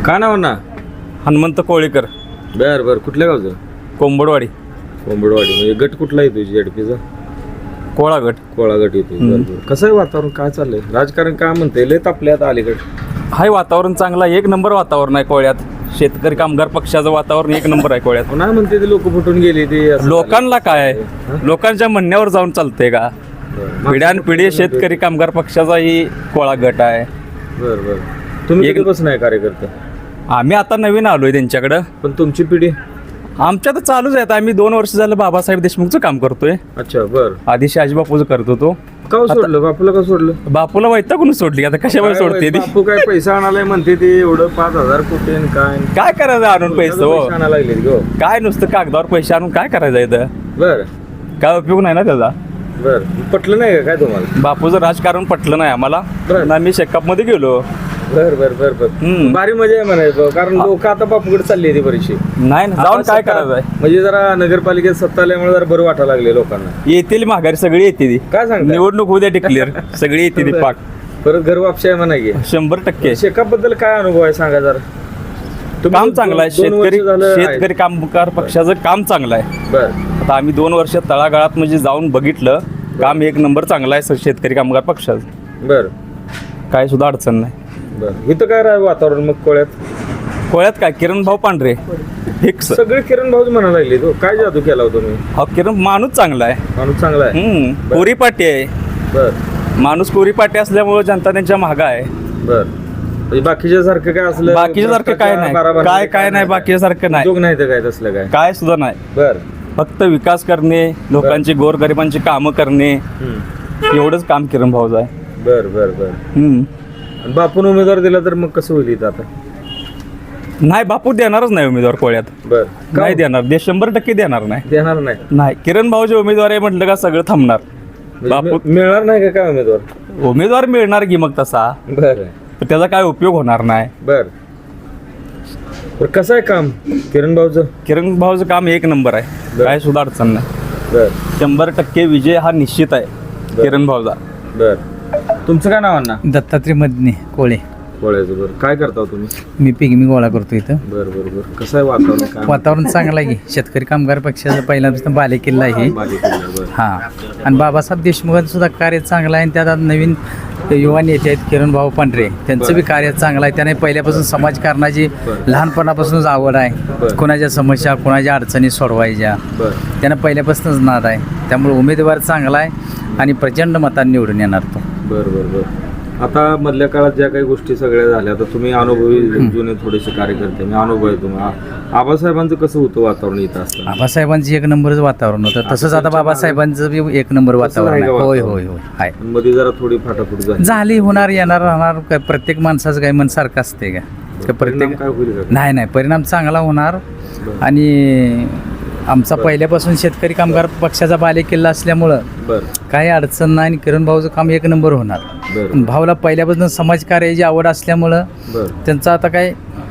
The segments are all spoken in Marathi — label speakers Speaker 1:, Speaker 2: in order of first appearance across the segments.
Speaker 1: का नाव ना?
Speaker 2: हनुमंत कोळीकर,
Speaker 1: बर बर. कुठल्या गावचं?
Speaker 2: कोंबडवाडी,
Speaker 1: कोंबडवाडी. म्हणजे गट कुठला येतो झेडपीचा?
Speaker 2: कोळागट.
Speaker 1: कोळा गट येतो. बरं बरं. कसं आहे वातावरण? काय चाललंय? राजकारण काय म्हणते? लय तापले आता अलीकडे.
Speaker 2: हाय वातावरण चांगला, एक नंबर वातावरण आहे कोळ्यात. शेतकरी कामगार पक्षाचं वातावरण एक नंबर आहे कोळ्यात.
Speaker 1: पुन्हा म्हणते ते लोक फुटून गेली ते असं
Speaker 2: लोकांना काय, लोकांच्या म्हणण्यावर जाऊन चालतंय का?
Speaker 1: झालं.
Speaker 2: पिढ्यानपिढी शेतकरी कामगार पक्षाचा ही कोळा गट आहे.
Speaker 1: बर बर. तुम्ही
Speaker 2: एक-
Speaker 1: कधीपासून आहे कार्यकर्ते?
Speaker 2: आम्ही आता नवीन आलोय त्यांच्याकडं.
Speaker 1: पण तुमची पिढी?
Speaker 2: आमच्या तर चालूच आहे. आम्ही 2 वर्ष झालं बाबासाहेब देशमुखचं काम करतोय.
Speaker 1: अच्छा बर.
Speaker 2: आधी शहाजीबापूचं करत होतो.
Speaker 1: का सोडलं? बापूला का सोडलं?
Speaker 2: बापूला वैतागून सोडली, आता कशामुळे सोडते ती?
Speaker 1: बापू काय पैसा आणालाय म्हणते ते एवढं 5,000 कोटी आणि काय
Speaker 2: काय करायचं आणून पैसे हो?
Speaker 1: आणायला लागले गो.
Speaker 2: काय नुसतं कागदावर पैसे आणून काय करायचं इथं?
Speaker 1: बर
Speaker 2: काय उपयोग नाही ना त्याचा.
Speaker 1: बर. पटलं नाही का काय तुम्हाला?
Speaker 2: बापूचं राजकारण पटलं नाही आम्हाला.
Speaker 1: बरं.
Speaker 2: ना मी शेकअप मध्ये गेलो.
Speaker 1: बर बर बर बर.
Speaker 2: हम्म.
Speaker 1: भारी मजा आहे म्हणायचं, कारण लोक आता बापूकडे चालली ती बरीचशी.
Speaker 2: नाही ना, जाऊन काय करायचंय?
Speaker 1: म्हणजे जरा नगरपालिकेत सत्ता आल्यामुळे जरा बरं वाटायला लागले लोकांना.
Speaker 2: येतील माघारी, सगळी येते ती.
Speaker 1: काय सांगता?
Speaker 2: निवडणूक उद्या डिक्लेअर, सगळी येते ती पाक.
Speaker 1: परत घर वापशी आहे म्हणा की.
Speaker 2: 100%
Speaker 1: शेकाप बद्दल काय अनुभव आहे सांगा जरा. तुम्ही
Speaker 2: काम चांगलं आहे.
Speaker 1: 2 वर्ष झालं आहे.
Speaker 2: शेतकरी कामगार पक्षाचं काम चांगलं आहे.
Speaker 1: बर
Speaker 2: आता आम्ही 2 वर्ष तळागाळात म्हणजे जाऊन बघितलं, काम एक नंबर चांगलं आहे शेतकरी कामगार पक्षाचं.
Speaker 1: बर
Speaker 2: काय सुद्धा अडचण नाही.
Speaker 1: बर. इथं काय राह वातावरण मग कोळ्यात?
Speaker 2: कोळ्यात काय, किरण भाऊ पांढरे फिक्स.
Speaker 1: सगळे किरण भाऊच म्हणायला लागले. तो काय जादू केला होता तुम्ही?
Speaker 2: हा किरण माणूस चांगला आहे.
Speaker 1: माणूस चांगला आहे.
Speaker 2: कोरी पाटी आहे
Speaker 1: बर
Speaker 2: माणूस. कोरी पाटी असल्यामुळे जनता त्यांच्या मागं आहे.
Speaker 1: बर. म्हणजे बाकीच्या सारखं काय असलं?
Speaker 2: बाकीच्या सारखं काय नाही, काय नाही, बाकीच्या सारखं नाही,
Speaker 1: उद्योग नाही तर काय तसलं काय?
Speaker 2: काय सुद्धा नाही.
Speaker 1: बर.
Speaker 2: फक्त विकास करणे, लोकांची गोरगरिबांची कामं करणे,
Speaker 1: हम्म.
Speaker 2: एवढंच काम किरण भाऊचं आहे.
Speaker 1: बर बर बर. आणि बापून उमेदवार दिला तर मग कसं होईल इथं आता?
Speaker 2: नाही, बापू देणारच नाही उमेदवार कोळ्यात.
Speaker 1: बर.
Speaker 2: नाही देणार, 100% देणार नाही.
Speaker 1: देणार नाही.
Speaker 2: नाही, किरण भाऊचे उमेदवार आहे म्हटलं का सगळं थांबणार. बापू
Speaker 1: मिळणार नाही का काय उमेदवार?
Speaker 2: उमेदवार मिळणार की मग तसा,
Speaker 1: बर
Speaker 2: पण त्याचा काय उपयोग होणार नाही.
Speaker 1: बर. कसं आहे काम किरण भाऊचं?
Speaker 2: किरण भाऊचं काम एक नंबर आहे,
Speaker 1: बरं.
Speaker 2: काय सुद्धा अडचण नाही.
Speaker 1: बर
Speaker 2: 100% विजय हा निश्चित आहे किरण भाऊचा.
Speaker 1: बर. तुमचं काय नाव ना?
Speaker 3: दत्तात्रय मदने कोळे.
Speaker 1: कोळ्याचं. बरं. काय करता हो तुम्ही?
Speaker 3: मी पिगमी गोळा करतो इथं.
Speaker 1: बर बर बर. कसं आहे वातावरण? काय
Speaker 3: वातावरण चांगलं आहे की शेतकरी कामगार पक्षाचा पहिल्यापासून बालेकिल्ला आहे.
Speaker 1: बरं.
Speaker 3: हां, आणि बाबासाहेब देशमुखांचं सुद्धा कार्य चांगलं आहे. आणि त्यात आता नवीन युवा नेते आहेत किरण भाऊ पांढरे, त्यांचं बी कार्य चांगलं आहे. त्याने पहिल्यापासून समाजकारणाची लहानपणापासूनच आवड आहे.
Speaker 1: बरं.
Speaker 3: कोणाच्या समस्या, कोणाच्या अडचणी सोडवायच्या
Speaker 1: बर
Speaker 3: त्यानं पहिल्यापासूनच नाद आहे. त्यामुळे उमेदवार चांगला आहे आणि प्रचंड मतांनी निवडून येणार तो.
Speaker 1: बर बर बर. आता मधल्या काळात ज्या काही गोष्टी सगळ्या झाल्या, आता तुम्ही अनुभवी जुने थोडेसे कार्यकर्ते, मी अनुभव आहे तुम्हाला. आबासाहेबांचं कसं होतं वातावरण इथं असताना?
Speaker 3: बाबासाहेबांचं एक नंबरच वातावरण होतं. तसंच आता बाबासाहेबांचं बी एक नंबर वातावरण आहे. होय होय होय आहे.
Speaker 1: मध्ये जरा थोडी फाटाफूट झाली.
Speaker 3: झाली, होणार, येणार, राहणार. काय प्रत्येक माणसाचं काय मन सारखं असते का? प्रत्येक
Speaker 1: परिणाम काय होईल का?
Speaker 3: नाही नाही, परिणाम चांगला होणार.
Speaker 1: बरं.
Speaker 3: आणि आमचा पहिल्यापासून शेतकरी कामगार पक्षाचा बालेकिल्ला असल्यामुळं
Speaker 1: बर
Speaker 3: काही अडचण नाही. आणि किरण भाऊचं काम एक नंबर होणार.
Speaker 1: बर
Speaker 3: भाऊला पहिल्यापासून समाजकार्याची आवड असल्यामुळं
Speaker 1: बर
Speaker 3: त्यांचा आता काही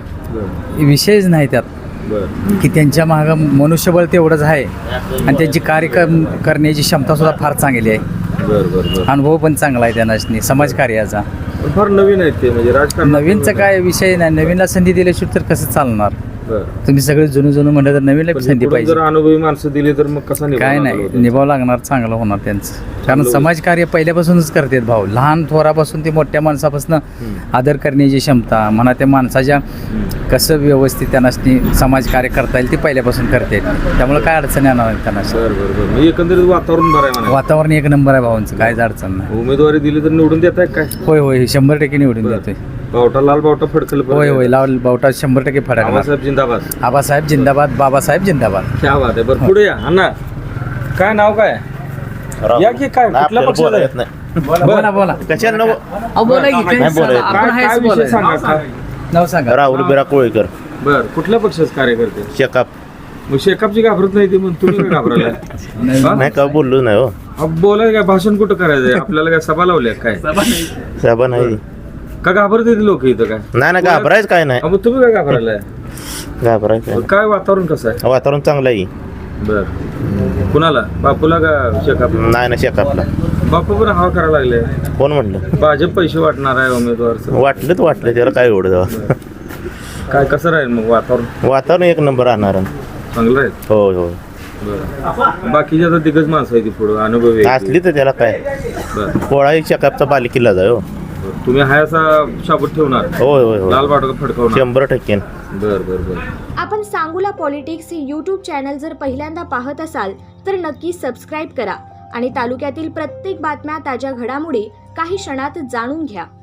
Speaker 1: बर
Speaker 3: विषयच नाही त्यात,
Speaker 1: बर
Speaker 3: की त्यांच्या मागं मनुष्यबळ तेवढंच आहे. आणि त्यांची कार्य करण्याची क्षमता सुद्धा फार चांगली आहे.
Speaker 1: बर बर बर.
Speaker 3: अनुभव पण चांगला आहे त्यांना समाजकार्याचा.
Speaker 1: पण फार नवीन आहेत ते, म्हणजे राजकारण.
Speaker 3: नवीनचा काय विषय नाही. नवीनला संधी दिल्याशिवाय तर कसं चालणार?
Speaker 1: बर.
Speaker 3: तुम्ही सगळे जुनं म्हणलं तर नवीनला
Speaker 1: पण
Speaker 3: संधी
Speaker 1: पुढे
Speaker 3: पाहिजे.
Speaker 1: जर अनुभवी माणसं दिली तर मग कसा निभावणार
Speaker 3: काय नाही,
Speaker 1: होतं?
Speaker 3: निभाव लागणार, चांगलं होणार त्यांचं. कारण समाजकार्य पहिल्यापासूनच करतात भाऊ. लहान थोरापासून ते मोठ्या माणसापासून आदर करण्याची क्षमता म्हणा, त्या माणसाच्या कसं व्यवस्थित त्यांना समाजकार्य करता येईल ते पहिल्यापासून करतात. त्यामुळे काय अडचण येणार नाही त्यांना.
Speaker 1: बर बर बर. म्हणजे एकंदरीत वातावरण बरं आहे म्हणा.
Speaker 3: वातावरण एक नंबर आहे भाऊंचं, काहीच अडचण नाही.
Speaker 1: उमेदवारी दिली तर निवडून देत आहे काय?
Speaker 3: होय होय, 100% निवडून देतोय.
Speaker 1: बावटा लाल बावटा फडकल.
Speaker 3: होय होय, लाल बावटा 100% फडकणार.
Speaker 1: बाबासाहेब जिंदाबाद.
Speaker 3: आबासाहेब जिंदाबाद, बाबासाहेब जिंदाबाद.
Speaker 1: क्या बात आहे. बरं पुढे या अण्णा. काय नाव काय? या की काय कुठल्या पक्षाला आहे?
Speaker 3: बोला बोला.
Speaker 4: कशाला
Speaker 3: बोला की
Speaker 1: काय काय विषय सांगा काय?
Speaker 3: नाव सांगा.
Speaker 4: राहुल बिरा कोळीकर,
Speaker 1: बर. कुठल्या पक्षाचे कार्यकर्ते?
Speaker 4: शेकाप.
Speaker 1: मग शेकापची घाबरत नाही ती, मग तुम्ही काय घाबरायला?
Speaker 4: नाही का बोललो नाही हो.
Speaker 1: बोलाय काय, भाषण कुठं करायचंय आपल्याला? काय सभा लावल्या काय?
Speaker 4: साहेबा नाही
Speaker 1: का घाबरते लोक इथं काय?
Speaker 4: नाही घाबरायचं काय नाही.
Speaker 1: मग तुम्ही काय घाबरायला?
Speaker 4: घाबरायचं
Speaker 1: काय वातावरण कसं आहे?
Speaker 4: वातावरण चांगलं आहे.
Speaker 1: बर. कुणाला? बापूला का शेकाप?
Speaker 4: नाही ना शेकापला.
Speaker 1: बापू पण हवा करायला लागले.
Speaker 4: कोण म्हणलं?
Speaker 1: भाजप पैसे वाटणार आहे उमेदवार.
Speaker 4: वाटलं त्याला काय एवढं
Speaker 1: काय कसं राहील मग वातावरण?
Speaker 4: वातावरण एक नंबर राहणार
Speaker 1: चांगलं आहे.
Speaker 4: होय होय.
Speaker 1: बरं. बाकीची आता दिग्गज माणसं आहे ती पुढं अनुभवी आहे ती.
Speaker 4: असली तर त्याला काय
Speaker 1: बरं.
Speaker 4: पोळा एक चकापचा बालिकीला जाय हो.
Speaker 1: तुम्ही हाय असा शाबूत ठेवणार,
Speaker 4: होय होय
Speaker 1: लाल
Speaker 4: होय.
Speaker 1: बाटका फडकवणार.
Speaker 4: 100%.
Speaker 1: बरं बरं बरं.
Speaker 5: आपण सांगोला पॉलिटिक्स हे यूट्यूब चॅनल जर पहिल्यांदा पाहत असाल तर नक्की सबस्क्राईब करा आणि तालुक्यातील प्रत्येक बातम्या, ताज्या घडामोडी काही क्षणात जाणून घ्या.